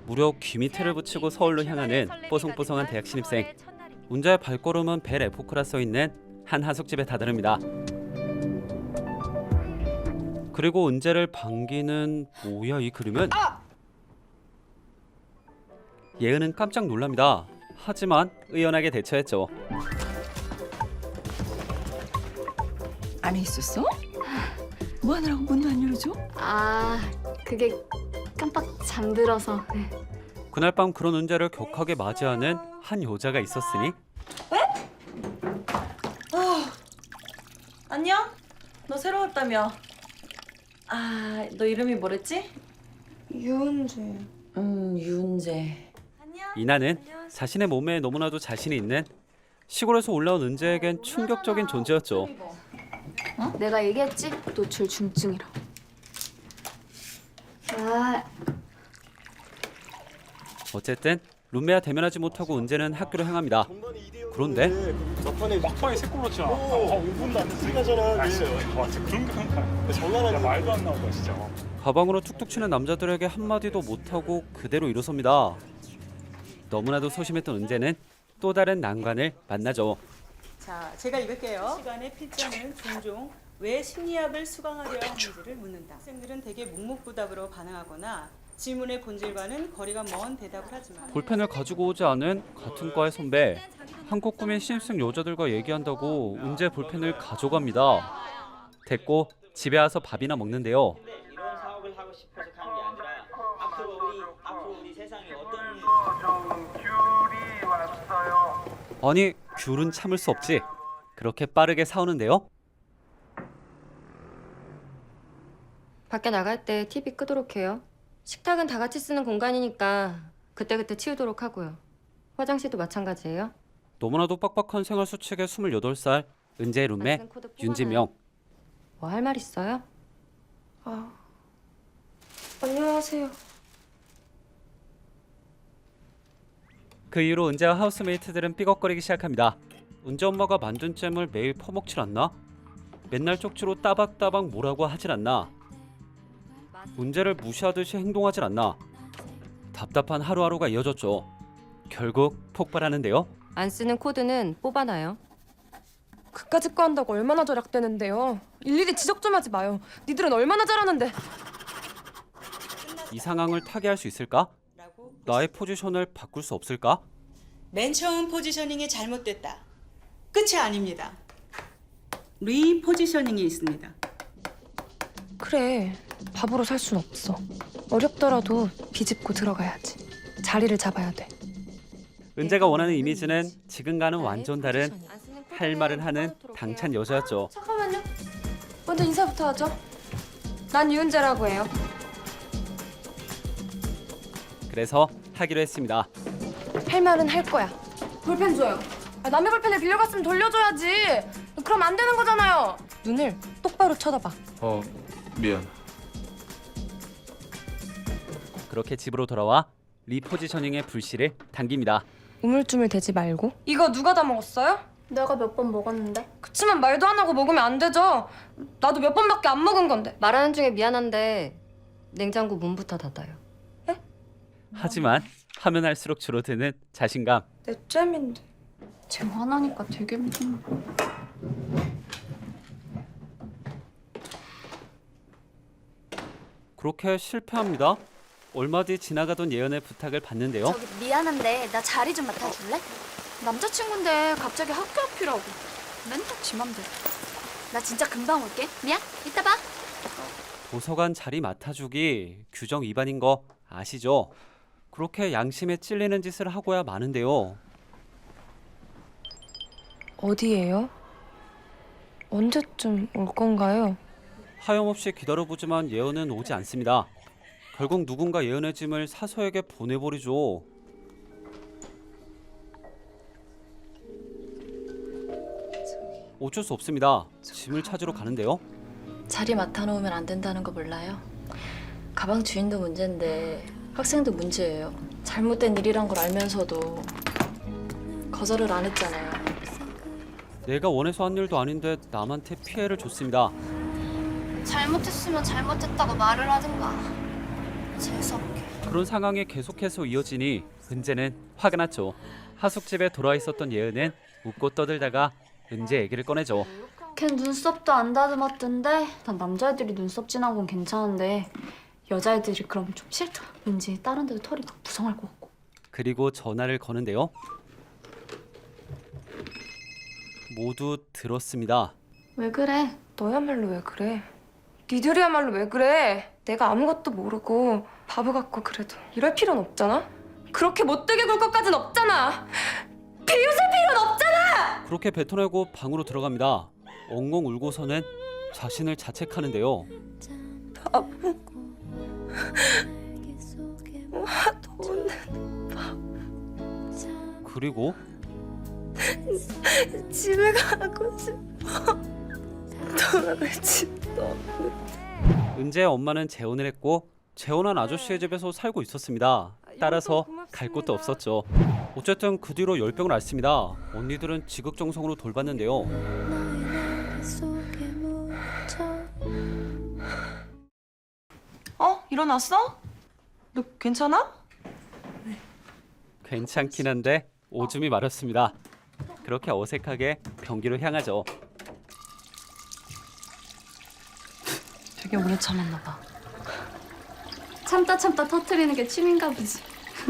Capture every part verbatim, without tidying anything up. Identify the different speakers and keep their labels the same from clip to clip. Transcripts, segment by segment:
Speaker 1: 무려 귀 밑에를 붙이고 서울로 향하는 뽀송뽀송한 대학 신입생. 운자의 발걸음은 벨 에포크라 써있는 한 하숙집에 다다릅니다. 그리고 은재를 반기는 뭐야 이 그림은? 예은은 깜짝 놀랍니다. 하지만 의연하게 대처했죠.
Speaker 2: 안에 있었어? 뭐 하느라고 문도 안 열어줘?
Speaker 3: 아, 그게 깜빡 잠들어서. 네.
Speaker 1: 그날 밤 그런 은재를 격하게 맞이하는 한 여자가 있었으니
Speaker 4: 안녕? 너 새로 왔다며? 아, 너 이름이 뭐랬지?
Speaker 3: 유은재.
Speaker 4: 음, 유은재.
Speaker 1: 이나는 자신의 몸에 너무나도 자신이 있는 시골에서 올라온 은재에겐 충격적인 존재였죠.
Speaker 3: 어? 내가 얘기했지? 노출 중증이라. 아,
Speaker 1: 어쨌든 룸메와 대면하지 못하고 은재는 학교로 향합니다. 그런데
Speaker 5: 막판에
Speaker 6: 막판에 세 골 넣잖아.
Speaker 5: 오, 오 분도 안 됐어. 가잖아.
Speaker 6: 아, 진짜. 와, 진짜 그런 게 한다.
Speaker 5: 장난하는
Speaker 6: 야, 말도 안 나온다, 진짜.
Speaker 1: 가방으로 툭툭 치는 남자들에게 한마디도 못하고 그대로 일어섭니다. 너무나도 소심했던 은재는 또 다른 난관을 만나죠.
Speaker 7: 자, 제가 읽을게요. 시간에 필자는 종종 왜 심리학을 수강하려 하는지를 묻는다. 학생들은 대개 묵묵부답으로 반응하거나 질문의 본질과는 거리가 먼 대답을 하지만
Speaker 1: 볼펜을 가지고 오지 않은 같은 과의 선배. 한국 꿈인 신입생 여자들과 얘기한다고 은재 볼펜을 가져갑니다. 됐고 집에 와서 밥이나 먹는데요.
Speaker 8: 이런 사업을 하고 싶어서 가는 게 아니라 앞으로 우리 앞으로 우리 세상에 어떤
Speaker 1: 아니 귤은 참을 수 없지. 그렇게 빠르게 사오는데요.
Speaker 9: 밖에 나갈 때 티비 끄도록 해요. 식탁은 다 같이 쓰는 공간이니까 그때그때 치우도록 하고요. 화장실도 마찬가지예요.
Speaker 1: 너무나도 빡빡한 생활 수칙의 스물여덟 살 은재의 룸메
Speaker 9: 쓰는 코드 뽑아놔요.
Speaker 1: 윤지명.
Speaker 9: 뭐 할 말 있어요?
Speaker 3: 아. 안녕하세요.
Speaker 1: 그 이후로 은재와 하우스메이트들은 삐걱거리기 시작합니다. 은재 엄마가 만든 잼을 매일 퍼먹질 않나? 맨날 쪽지로 따박따박 뭐라고 하질 않나? 은재를 무시하듯이 행동하질 않나? 답답한 하루하루가 이어졌죠. 결국 폭발하는데요.
Speaker 9: 안 쓰는 코드는 뽑아놔요.
Speaker 10: 그까짓 거 한다고 얼마나 절약되는데요. 일일이 지적 좀 하지 마요. 니들은 얼마나 잘하는데.
Speaker 1: 이 상황을 타개할 수 있을까? 나의 포지션을 바꿀 수 없을까?
Speaker 7: 맨 처음 포지셔닝이 잘못됐다. 끝이 아닙니다. 리포지셔닝이 있습니다.
Speaker 10: 그래, 바보로 살 순 없어. 어렵더라도 비집고 들어가야지. 자리를 잡아야 돼.
Speaker 1: 은재가 원하는 이미지는 지금과는 완전 다른
Speaker 9: 안 쓰는 코드는
Speaker 1: 할 말은 하는
Speaker 9: 뽑아놓도록
Speaker 1: 당찬
Speaker 9: 해요.
Speaker 1: 여자였죠.
Speaker 10: 잠깐만요. 먼저 인사부터 하죠. 난 유은재라고 해요.
Speaker 1: 그래서 하기로 했습니다.
Speaker 10: 할 말은 할 거야. 볼펜 줘요. 아, 남의 볼펜을 빌려갔으면 돌려줘야지. 그럼 안 되는 거잖아요. 눈을 똑바로 쳐다봐.
Speaker 6: 어, 미안.
Speaker 1: 그렇게 집으로 돌아와 리포지셔닝의 불씨를 당깁니다.
Speaker 10: 우물쭈물 대지 말고. 이거 누가 다 먹었어요?
Speaker 3: 내가 몇 번 먹었는데?
Speaker 10: 그치만 말도 안 하고 먹으면 안 되죠. 나도 몇 번밖에 안 먹은 건데.
Speaker 9: 말하는 중에 미안한데 냉장고 문부터 닫아요.
Speaker 1: 하지만 하면 할수록 줄어드는 자신감.
Speaker 10: 내 잼인데.
Speaker 3: 쟤 화나니까 되게 무섭네.
Speaker 1: 그렇게 실패합니다. 얼마 뒤 지나가던 예언의 부탁을 받는데요.
Speaker 3: 저기 미안한데 나 자리 좀 맡아줄래? 남자친구인데 갑자기 학교 앞이라고. 맨날 지 맘대로. 나 진짜 금방 올게. 미안. 이따 봐.
Speaker 1: 도서관 자리 맡아주기 규정 위반인 거 아시죠? 그렇게 양심에 찔리는 짓을 하고야 마는데요.
Speaker 10: 어디예요? 언제쯤 올 건가요?
Speaker 1: 하염없이 기다려보지만 예언은 오지 않습니다. 결국 누군가 예언의 짐을 사서에게 보내버리죠. 어쩔 수 없습니다. 짐을 찾으러 가는데요.
Speaker 11: 자리 맡아놓으면 안 된다는 거 몰라요? 가방 주인도 문제인데 학생도 문제예요. 잘못된 일이란 걸 알면서도 거절을 안 했잖아요.
Speaker 1: 내가 원해서 한 일도 아닌데 남한테 피해를 줬습니다.
Speaker 3: 잘못했으면 잘못했다고 말을 하든가. 재수없게.
Speaker 1: 그런 상황이 계속해서 이어지니 은재는 화가 났죠. 하숙집에 돌아와 있었던 예은은 웃고 떠들다가 은재 얘기를 꺼내죠.
Speaker 3: 걘 눈썹도 안 다듬었던데. 난 남자애들이 눈썹 진한 건 괜찮은데 여자애들이 그럼 좀 싫다. 왠지 다른 데도 털이 더 부성할 것 같고.
Speaker 1: 그리고 전화를 거는데요. 모두 들었습니다.
Speaker 3: 왜 그래?
Speaker 10: 너야말로 왜 그래? 니들이야말로 왜 그래? 내가 아무것도 모르고 바보 같고 그래도 이럴 필요는 없잖아? 그렇게 못되게 굴 것까진 없잖아! 비웃을 필요는 없잖아!
Speaker 1: 그렇게 뱉어내고 방으로 들어갑니다. 엉엉 울고서는 자신을 자책하는데요.
Speaker 10: 바보. 화도 없는
Speaker 1: 그리고
Speaker 10: 집에 가고 싶어. 돌아갈 집도 없는.
Speaker 1: 은재의 엄마는 재혼을 했고 재혼한 아저씨의 집에서 살고 있었습니다. 따라서 갈 곳도 없었죠. 어쨌든 그 뒤로 열병을 앓습니다. 언니들은 지극정성으로 돌봤는데요.
Speaker 4: 어? 일어났어? 너 괜찮아?
Speaker 1: 괜찮긴 한데 오줌이 마렵습니다. 그렇게 어색하게 변기로 향하죠.
Speaker 4: 되게 오래 참았나 봐.
Speaker 3: 참다 참다 터트리는 게 취미인가 보지.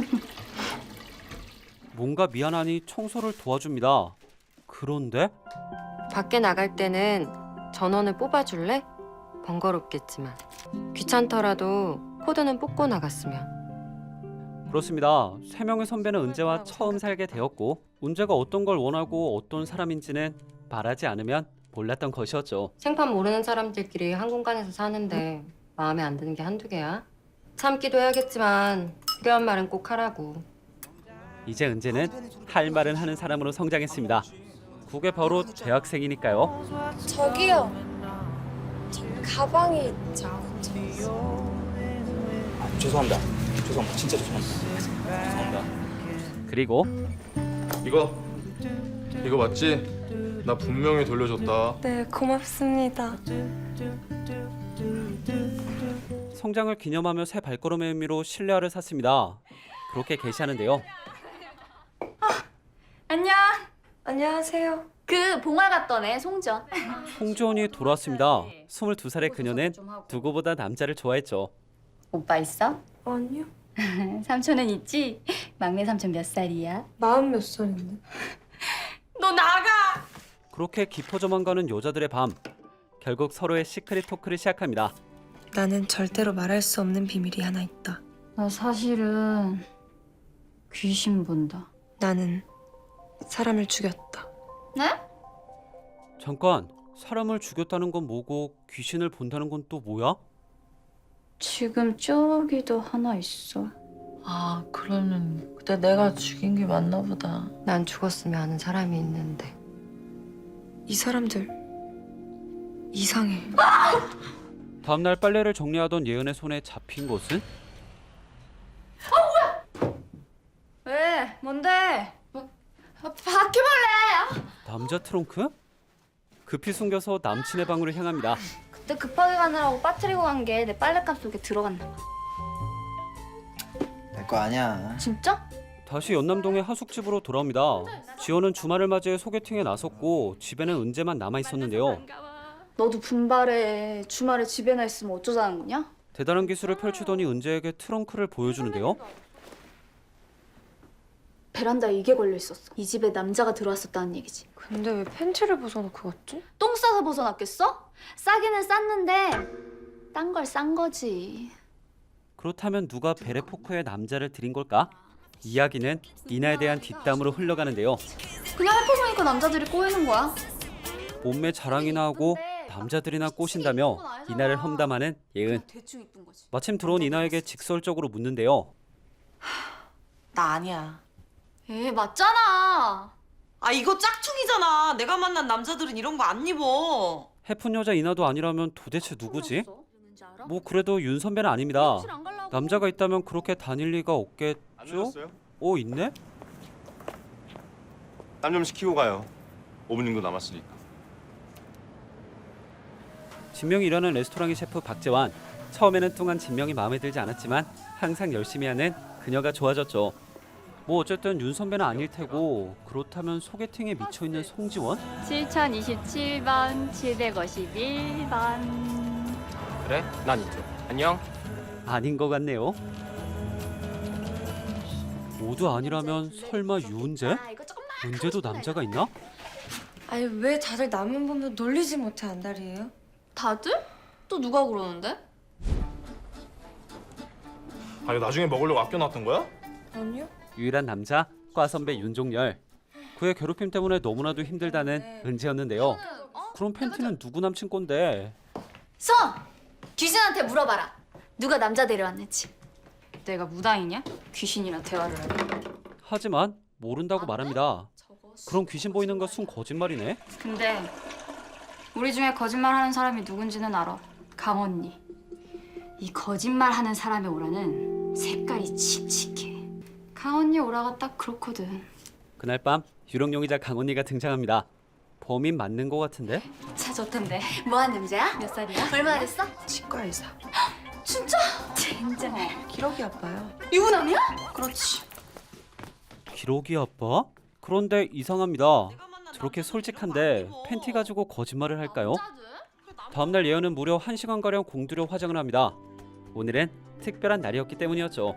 Speaker 1: 뭔가 미안하니 청소를 도와줍니다. 그런데
Speaker 9: 밖에 나갈 때는 전원을 뽑아줄래? 번거롭겠지만 귀찮더라도 코드는 뽑고 나갔으면.
Speaker 1: 그렇습니다. 세 명의 선배는 은재와 처음 살게 되었고 은재가 어떤 걸 원하고 어떤 사람인지는 말하지 않으면 몰랐던 것이었죠.
Speaker 9: 생판 모르는 사람들끼리 한 공간에서 사는데 마음에 안 드는 게 한두 개야? 참기도 해야겠지만 필요한 말은 꼭 하라고.
Speaker 1: 이제 은재는 할 말은 하는 사람으로 성장했습니다. 그게 바로 대학생이니까요.
Speaker 10: 저기요. 저 가방이 있죠.
Speaker 5: 아, 죄송합니다. 죄송합니다. 진짜 죄송합니다. 죄송합니다.
Speaker 1: 그리고
Speaker 6: 이거 이거 맞지? 나 분명히 돌려줬다.
Speaker 10: 네, 고맙습니다.
Speaker 1: 성장을 기념하며 새 발걸음의 의미로 실내화를 샀습니다. 그렇게 게시하는데요.
Speaker 3: 안녕.
Speaker 10: 안녕하세요.
Speaker 3: 그 봉화 갔던 애 송전.
Speaker 1: 송지원이 돌아왔습니다. 스물두 살의 그녀는 누구보다 남자를 좋아했죠.
Speaker 3: 오빠 있어?
Speaker 10: 아니요.
Speaker 3: 삼촌은 있지? 막내 삼촌 몇 살이야?
Speaker 10: 마흔 몇 살인데.
Speaker 3: 너 나가!
Speaker 1: 그렇게 깊어져만 가는 여자들의 밤. 결국 서로의 시크릿 토크를 시작합니다.
Speaker 10: 나는 절대로 말할 수 없는 비밀이 하나 있다.
Speaker 3: 나 사실은 귀신 본다.
Speaker 10: 나는 사람을 죽였다.
Speaker 3: 네?
Speaker 1: 잠깐, 사람을 죽였다는 건 뭐고 귀신을 본다는 건 또 뭐야?
Speaker 3: 지금 저기도 하나 있어.
Speaker 11: 아, 그러면 그때 내가 죽인 게 맞나 보다.
Speaker 9: 난 죽었으면 하는 사람이 있는데.
Speaker 10: 이 사람들 이상해.
Speaker 1: 다음날 빨래를 정리하던 예은의 손에 잡힌 것은?
Speaker 3: 왜? 뭔데? 뭐, 바퀴벌레!
Speaker 1: 남자 트렁크? 급히 숨겨서 남친의 방으로 향합니다.
Speaker 3: 그때 급하게 가느라고 빠뜨리고 간 게 내 빨랫감 속에 들어갔나 봐.
Speaker 5: 내 거 아니야.
Speaker 3: 진짜?
Speaker 1: 다시 연남동의 하숙집으로 돌아옵니다. 지원은 주말을 맞이해 소개팅에 나섰고 집에는 은재만 남아 있었는데요.
Speaker 3: 너도 분발해. 주말에 집에나 있으면 어쩌자는 거냐?
Speaker 1: 대단한 기술을 펼치더니 은재에게 트렁크를 보여주는데요.
Speaker 3: 베란다에 이게 걸려 있었어. 이 집에 남자가 들어왔었다는 얘기지.
Speaker 10: 근데 왜 팬티를 벗어놓고 갔지?
Speaker 3: 똥 싸서 벗어났겠어? 싸기는 쌌는데 딴 걸 싼 거지.
Speaker 1: 그렇다면 누가 베레포크에 남자를 들인 걸까? 이야기는 이나에 대한 뒷담으로 흘러가는데요.
Speaker 3: 그냥 해보니까 남자들이 꼬이는 거야.
Speaker 1: 몸매 자랑이나 하고 남자들이나 꼬신다며 이나를 험담하는 예은.
Speaker 3: 대충 이쁜 거지.
Speaker 1: 마침 들어온 이나에게 직설적으로 묻는데요.
Speaker 4: 나 아니야.
Speaker 3: 에 맞잖아.
Speaker 4: 아, 이거 짝퉁이잖아. 내가 만난 남자들은 이런 거 안 입어.
Speaker 1: 해픈 여자 이나도 아니라면 도대체 누구지? 뭐 그래도 윤 선배는 아닙니다. 남자가 있다면 그렇게 다닐 리가
Speaker 5: 안
Speaker 1: 없겠죠?
Speaker 5: 늦었어요?
Speaker 1: 어 있네?
Speaker 5: 땀 좀 식히고 가요. 오 분 정도 남았으니까.
Speaker 1: 진명이 일하는 레스토랑의 셰프 박재환. 처음에는 뚱한 진명이 마음에 들지 않았지만 항상 열심히 하는 그녀가 좋아졌죠. 뭐 어쨌든 윤 선배는 아닐 테고 그렇다면 소개팅에 미쳐있는 송지원?
Speaker 3: 칠천이십칠 번, 칠백오십일 번.
Speaker 5: 그래? 난 이쪽. 안녕.
Speaker 1: 아닌 것 같네요. 모두 아니라면 설마 유은재? 은재도 남자가 있나?
Speaker 10: 아니 왜 다들 남은 보면 놀리지 못해 안달이에요?
Speaker 11: 다들? 또 누가 그러는데?
Speaker 6: 아니 나중에 먹으려고 아껴놨던 거야?
Speaker 10: 아니요.
Speaker 1: 유일한 남자 과 선배 윤종열. 그의 괴롭힘 때문에 너무나도 힘들다는 은재였는데요. 그럼 팬티는 누구 남친 건데?
Speaker 3: 서! 귀신한테 물어봐라. 누가 남자 데려왔는지.
Speaker 11: 내가 무당이냐? 귀신이랑 대화를 해.
Speaker 1: 하지만 모른다고 말합니다. 그럼 귀신 보이는 거 순 거짓말이네?
Speaker 11: 근데 우리 중에 거짓말하는 사람이 누군지는 알아. 강언니. 이 거짓말하는 사람의 오라는 색깔이 칙칙해. 강언니 오라가 딱 그렇거든.
Speaker 1: 그날 밤 유령 용의자 강언니가 등장합니다. 범인 맞는 거 같은데?
Speaker 3: 차 좋던데. 뭐한 남자야? 몇 살이야? 얼마나 됐어?
Speaker 2: 치과 의사.
Speaker 3: 진짜? 진짜.
Speaker 2: 기러기 아빠요.
Speaker 3: 유부남이야?
Speaker 11: 그렇지.
Speaker 1: 기러기 아빠? 그런데 이상합니다. 저렇게 솔직한데 팬티 가지고 거짓말을 할까요? 다음날 예언은 무려 한 시간가량 공들여 화장을 합니다. 오늘은 특별한 날이었기 때문이었죠.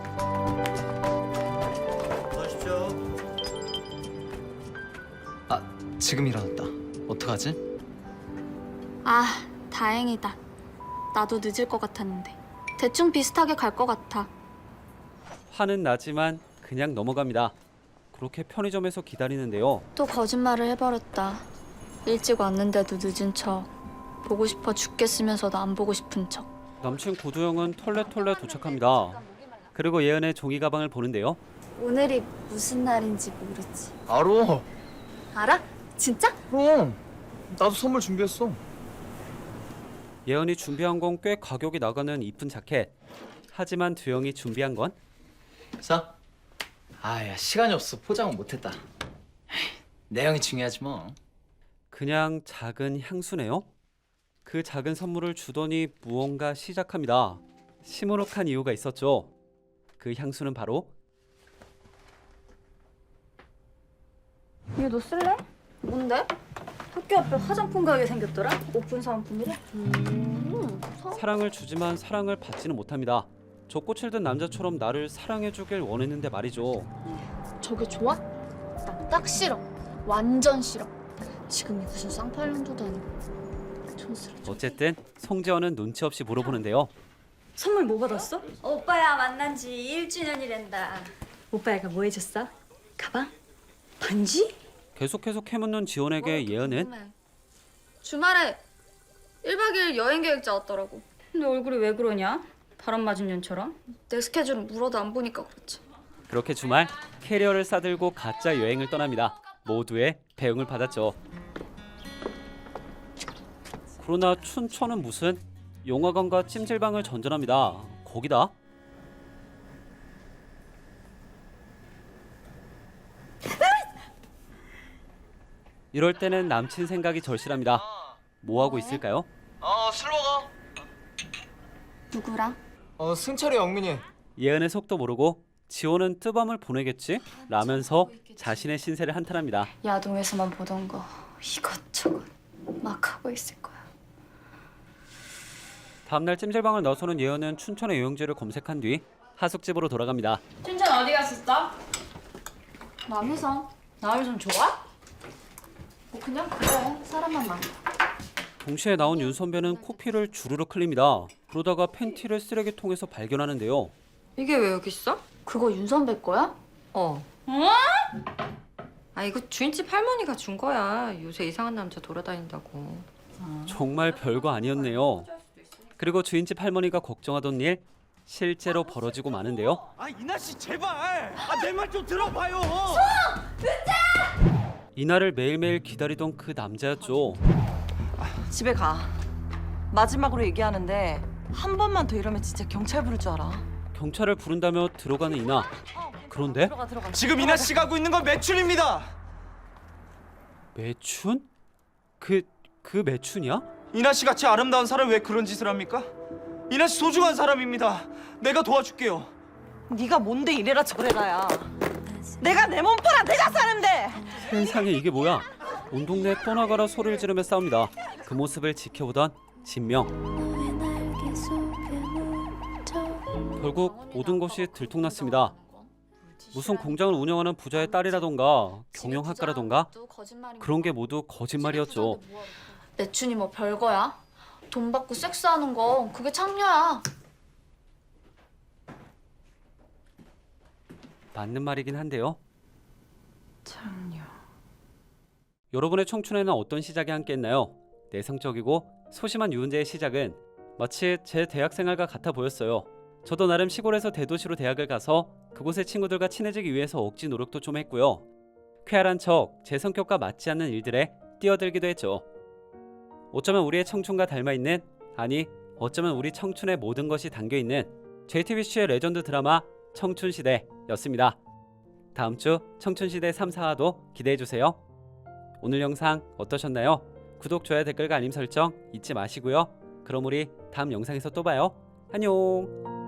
Speaker 5: 아, 지금 일어났다. 어떡하지?
Speaker 3: 아, 다행이다. 나도 늦을 것 같았는데. 대충 비슷하게 갈 것 같아.
Speaker 1: 화는 나지만 그냥 넘어갑니다. 그렇게 편의점에서 기다리는데요.
Speaker 3: 또 거짓말을 해버렸다. 일찍 왔는데도 늦은 척. 보고 싶어 죽겠으면서도 안 보고 싶은 척.
Speaker 1: 남친 구두영은 털레털레 도착합니다. 그리고 예은의 종이 가방을 보는데요.
Speaker 3: 오늘이 무슨 날인지 모르지.
Speaker 5: 알어.
Speaker 3: 알아? 진짜?
Speaker 5: 그럼. 나도 선물 준비했어.
Speaker 1: 예은이 준비한 건 꽤 가격이 나가는 이쁜 자켓. 하지만 두영이 준비한 건
Speaker 5: 자. 아야 시간이 없어. 포장은 못했다. 에이, 내용이 중요하지 뭐.
Speaker 1: 그냥 작은 향수네요. 그 작은 선물을 주더니 무언가 시작합니다. 시무룩한 이유가 있었죠. 그 향수는 바로
Speaker 3: 이거 너 쓸래? 뭔데? 학교 앞에 화장품 가게 생겼더라? 오픈 사은품이래? 음,
Speaker 1: 사랑을 주지만 사랑을 받지는 못합니다. 저 꽃을 든 남자처럼 나를 사랑해주길 원했는데 말이죠.
Speaker 3: 저게 좋아? 나 딱 싫어. 완전 싫어. 지금이 무슨 쌍팔년도도 아니고. 촌스러.
Speaker 1: 어쨌든 송지원은 눈치 없이 물어보는데요.
Speaker 7: 선물 뭐 받았어?
Speaker 3: 오빠야 만난 지 일 주년이란다.
Speaker 7: 오빠가 뭐 해줬어? 가방? 반지?
Speaker 1: 계속해서 캐묻는 지원에게 예은은
Speaker 11: 주말에 일 박 이 일 여행 계획 짜왔더라고. 근데 얼굴이 왜 그러냐? 바람 맞은 년처럼? 내 스케줄은 물어도 안 보니까 그렇지.
Speaker 1: 그렇게 주말 캐리어를 싸들고 가짜 여행을 떠납니다. 모두의 배웅을 받았죠. 그러나 춘천은 무슨 영화관과 찜질방을 전전합니다. 거기다 이럴 때는 남친 생각이 절실합니다. 뭐 하고 있을까요?
Speaker 5: 어, 술 먹어.
Speaker 3: 누구랑?
Speaker 5: 어, 승철이 영민이.
Speaker 1: 예은의 속도 모르고 지호는 뜨밤을 보내겠지? 라면서 자신의 신세를 한탄합니다.
Speaker 11: 야동에서만 보던 거 이것저것 막 하고 있을 거야.
Speaker 1: 다음날 찜질방을 나서는 예은은 춘천의 요영지를 검색한 뒤 하숙집으로 돌아갑니다.
Speaker 11: 춘천 어디 갔었어? 남이섬. 남이섬 좋아? 뭐 그냥 그래. 사람만 많아.
Speaker 1: 동시에 나온 윤 선배는 코피를 주르륵 흘립니다. 그러다가 팬티를 쓰레기통에서 발견하는데요.
Speaker 10: 이게 왜 여기 있어?
Speaker 11: 그거 윤 선배 거야?
Speaker 10: 어. 아 이거 주인집 할머니가 준 거야. 요새 이상한 남자 돌아다닌다고.
Speaker 1: 정말 별거 아니었네요. 그리고 주인집 할머니가 걱정하던 일 실제로 벌어지고 마는데요.
Speaker 8: 아 이나 씨 제발. 아 내 말 좀 들어봐요.
Speaker 1: 이날을 매일매일 기다리던 그 남자였죠.
Speaker 4: 집에 가. 마지막으로 얘기하는데 한 번만 더 이러면 진짜 경찰 부를 줄 알아.
Speaker 1: 경찰을 부른다며 들어가는 이나. 그런데
Speaker 4: 들어가 들어가.
Speaker 8: 지금 이나 씨가 하고 있는 건 매춘입니다.
Speaker 1: 매춘? 그, 그 매춘이야?
Speaker 8: 이나 씨 같이 아름다운 사람이 왜 그런 짓을 합니까?
Speaker 12: 이나 씨 소중한 사람입니다. 내가 도와줄게요.
Speaker 4: 네가 뭔데 이래라 저래라야. 내가 내 몸 팔아 내가 사는데.
Speaker 1: 세상에 이게 뭐야? 온 동네 떠나가라 소리를 지르며 싸웁니다. 그 모습을 지켜보던 진명. 결국 모든 것이 들통났습니다. 무슨 공장을 운영하는 부자의 딸이라던가 경영학과라던가 그런 게 모두 거짓말이었죠.
Speaker 3: 매춘이 뭐 별거야? 돈 받고 섹스하는 거 그게 창녀야.
Speaker 1: 맞는 말이긴 한데요.
Speaker 4: 창녀.
Speaker 1: 여러분의 청춘에는 어떤 시작이 함께했나요? 내성적이고 소심한 유은재의 시작은 마치 제 대학생활과 같아 보였어요. 저도 나름 시골에서 대도시로 대학을 가서 그곳의 친구들과 친해지기 위해서 억지 노력도 좀 했고요. 쾌활한 척 제 성격과 맞지 않는 일들에 뛰어들기도 했죠. 어쩌면 우리의 청춘과 닮아있는, 아니 어쩌면 우리 청춘의 모든 것이 담겨있는 제이티비씨의 레전드 드라마 청춘시대였습니다. 다음 주 청춘시대 삼, 사화도 기대해주세요. 오늘 영상 어떠셨나요? 구독, 좋아요, 댓글과 알림 설정 잊지 마시고요. 그럼 우리 다음 영상에서 또 봐요. 안녕.